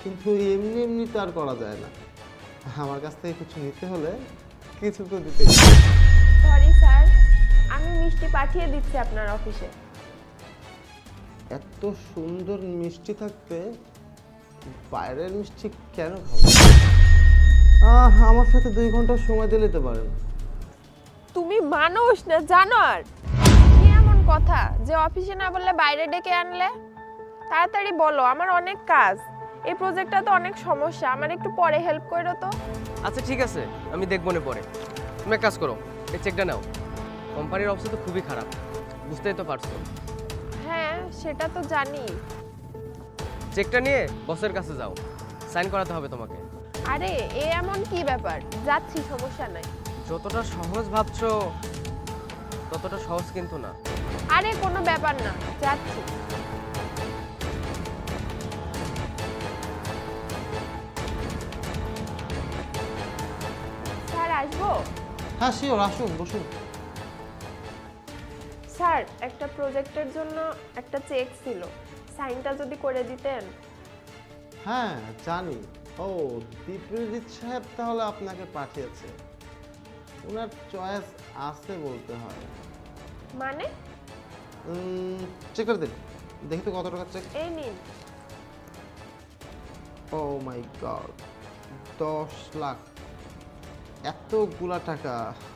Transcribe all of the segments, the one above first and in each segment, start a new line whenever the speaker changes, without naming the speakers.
কিন্তু এমনি এমনি তো আর করা যায় না। আমার কাছ থেকে কিছু নিতে হলে কিছু তো দিতেই হবে।
সরি স্যার, আমি মিষ্টি পাঠিয়ে দিচ্ছি আপনার অফিসে।
এত সুন্দর মিষ্টি থাকতে বাইরের মিষ্টি কেন খাবো? আমার সাথে 2 ঘন্টা সময় দিলে তো পারেন।
তুমি মানুষ না জানোয়ার? কি এমন কথা যে অফিসে না বললে বাইরে ডেকে আনলে? তাড়াতাড়ি বলো, আমার অনেক কাজ। এই প্রজেক্টটা তো অনেক সমস্যা, আমার একটু পরে হেল্প করো তো।
আচ্ছা ঠিক আছে, আমি দেখবো না পরে। তুমি এক কাজ করো, এই চেকটা নাও। কোম্পানির অবস্থা তো খুবই খারাপ, বুঝতেই তো পারছো।
হ্যাঁ, সেটা তো জানি।
চেকটা নিয়ে বসের কাছে যাও, সাইন করাতে হবে তোমাকে।
আরে এ এমন কি ব্যাপার, যাচ্ছি, সমস্যা নাই।
যতটা সহজ ভাবছো ততটা সহজ কিন্তু না।
আরে কোনো ব্যাপার না, যাচ্ছি। স্যার আসবো?
হ্যাঁ শিওর, আসুন বসুন।
স্যার, একটা প্রজেক্টের জন্য একটা চেক ছিল, সাইনটা যদি করে দিতেন।
হ্যাঁ জানি। ও দীপ্রজিৎ সাহেব তাহলে আপনাকে পাঠিয়েছে। ওনার চয়েস আছে বলতে হয়।
মানে?
চেক করে দিন, দেখি তো কত টাকা চেক।
এই নিন।
Oh my god, 10 lakh! এতগুলা টাকা!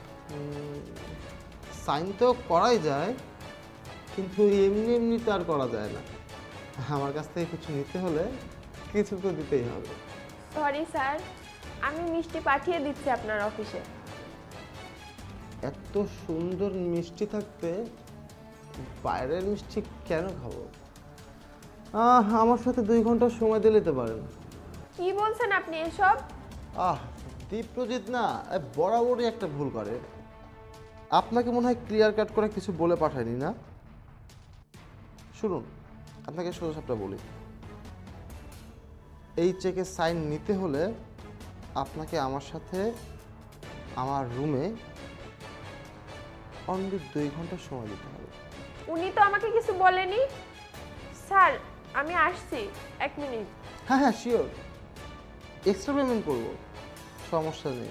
সাইন তো করাই যায়, কিন্তু এমনি এমনি তো আর করা যায় না। আমার কাছ থেকে কিছু নিতে হলে কিছু তো দিতেই হবে।
সরি স্যার, আমি মিষ্টি পাঠিয়ে দিচ্ছি আপনার অফিসে।
এত সুন্দর মিষ্টি থাকতে বাইরের মিষ্টি কেন খাবো? আমার সাথে 2 ঘন্টা সময় দিলে তো পারেন।
কি বলছেন আপনি এসব?
দীপ্রজিৎ না বরাবরই একটা ভুল করে। আপনাকে মনে হয় ক্লিয়ার কাট করে কিছু বলে পাঠায়নি না? শুনুন, আপনাকে সোজাসাপটা বলি। এই চেকে সাইন নিতে হলে আপনাকে আমার সাথে আমার রুমে অনলি 2 ঘন্টা সময় দিতে হবে।
উনি তো আমাকে কিছু বলেনি। স্যার, আমি আসছি, 1 মিনিট।
হ্যাঁ হ্যাঁ শিওর, এক্সট্রা পেমেন্ট করবো, সমস্যা নেই।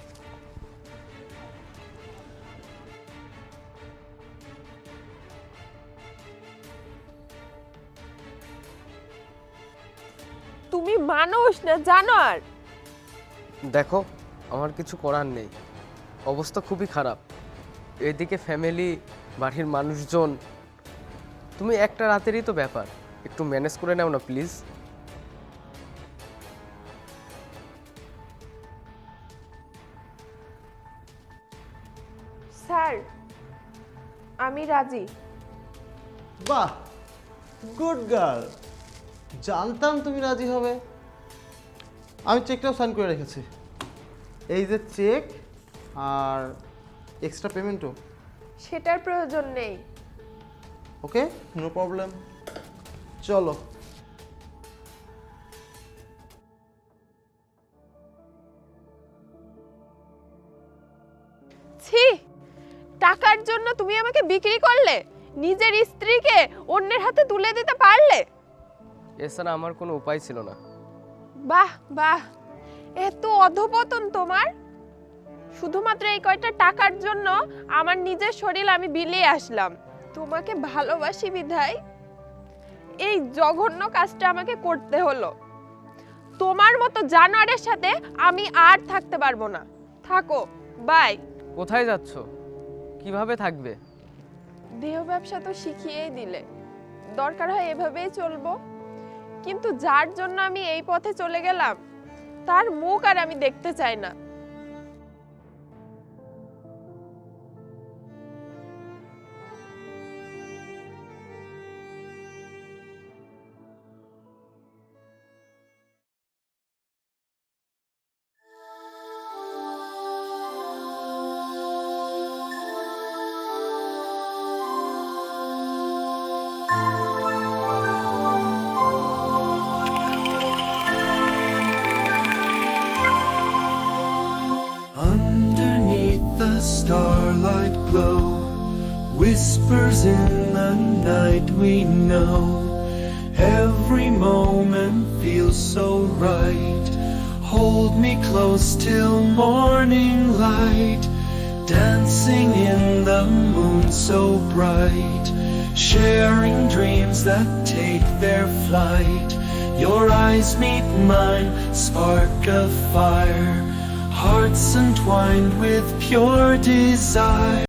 তুমি মানুষ না জানোয়ার?
দেখো, আমার কিছু করার নেই, অবস্থা খুবই খারাপ। এদিকে ফ্যামিলি, বাড়ির মানুষজন। তুমি একটা রাতেরই তো ব্যাপার, একটু ম্যানেজ করে নাও না প্লিজ।
স্যার, আমি রাজি।
বাহ, গুড গার্ল! জানতাম তুমি রাজি হবে। আমি চেকটাও সাইন করে রেখেছি। এই যে চেক আর এক্সট্রা পেমেন্টও।
সেটার প্রয়োজন নেই।
ওকে, নো প্রবলেম, চলো।
ছি, টাকার জন্য তুমি আমাকে বিক্রি করলে, নিজের স্ত্রীকে অন্যের হাতে তুলে দিতে পারলে।
এছাড়া আমার কোনো উপায় ছিল না।
বাহ বাহ, এত অধপতন তোমার! শুধুমাত্র এই কয়টা টাকার জন্য আমার নিজের শরীর আমি বিলিয়ে আসলাম। তোমাকে ভালোবাসি বিধায় এই জঘন্য কাজটা আমাকে করতে হলো। তোমার মতো জানোয়ারের সাথে আমি আর থাকতে পারবো না। থাকো, বাই।
কোথায় যাচ্ছ? কিভাবে থাকবে?
দেহ ব্যবসা তো শিখিয়েই দিলে, দরকার হয় এভাবেই চলবো। কিন্তু যার জন্য আমি এই পথে চলে গেলাম, তার মুখ আর আমি দেখতে চাই না।
Underneath the starlight glow, whispers in the night we know, every moment feels so right. Hold me close till morning light, dancing in the moon so bright, sharing dreams that take their flight. Your eyes meet mine, spark of fire, hearts entwined with pure desire.